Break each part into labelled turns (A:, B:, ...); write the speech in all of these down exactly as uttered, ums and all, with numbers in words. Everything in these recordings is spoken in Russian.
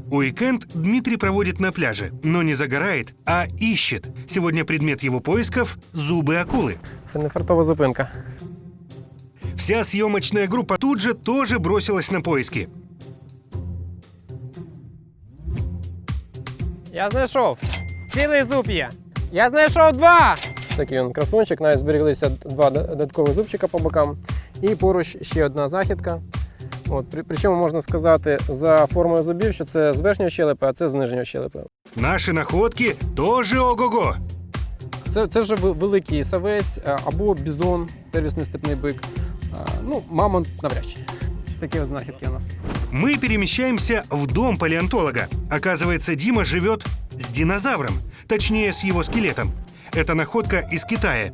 A: Уикенд Дмитрий проводит на пляже, но не загорает, а ищет. Сегодня предмет его поисков – зубы акулы.
B: Це не фартова зупинка.
A: Вся съемочная группа тут же тоже бросилась на поиски.
B: Я знайшов. Цілий зуб є. Я знайшов два. Такий він красунчик, навіть збереглися два додаткових зубчика по бокам. І поруч ще одна західка. От, при, причому можна сказати за формою зубів, що це з верхньої щелепи, а це з нижньої щелепи.
A: Наші находки тоже ого-го.
B: Це, це вже великий савець або бізон, первісний степний бик. Ну, мамонт навряд чи. Такі от знахідки у нас.
A: Мы перемещаемся в дом палеонтолога. Оказывается, Дима живет с динозавром, точнее, с его скелетом. Это находка из Китая.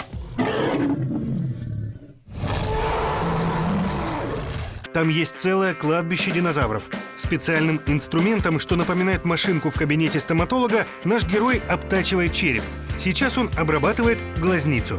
A: Там есть целое кладбище динозавров. Специальным инструментом, что напоминает машинку в кабинете стоматолога, наш герой обтачивает череп. Сейчас он обрабатывает глазницу.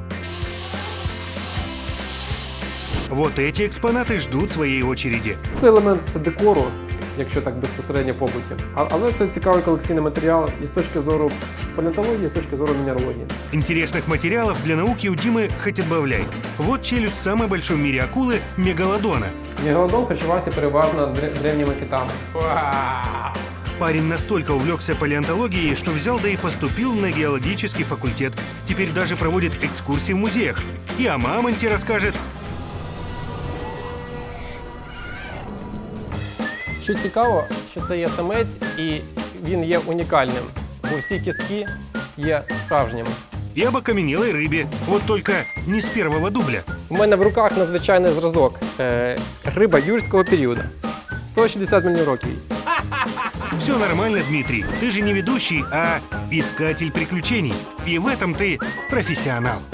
A: Вот эти экспонаты ждут своей очереди.
B: Це елемент декору, якщо так безпосередньо побуті. А- Але це цікавий колекційний матеріал і з точки зору палеонтології, і з точки зору мінералогії.
A: Интересных материалов для науки у Димы хоть отбавляй. Вот челюсть самой большой в мире акулы – мегалодона.
B: Мегалодон харчувався переважно дре- древніми китами.
A: Парень настолько увлекся палеонтологией, что взял да и поступил на геологический факультет. Теперь даже проводит экскурсии в музеях. И о мамонте расскажет.
B: Що цікаво, що це є самець і він є унікальним, бо всі кістки є справжніми.
A: И об окаменелой рыбе. Вот только не с первого дубля.
B: У мене в руках надзвичайний зразок. Е, риба юрського періоду. сто шістдесят мільйонів років.
A: Все нормально, Дмитрий. Ты же не ведущий, а искатель приключений. И в этом ты профессионал.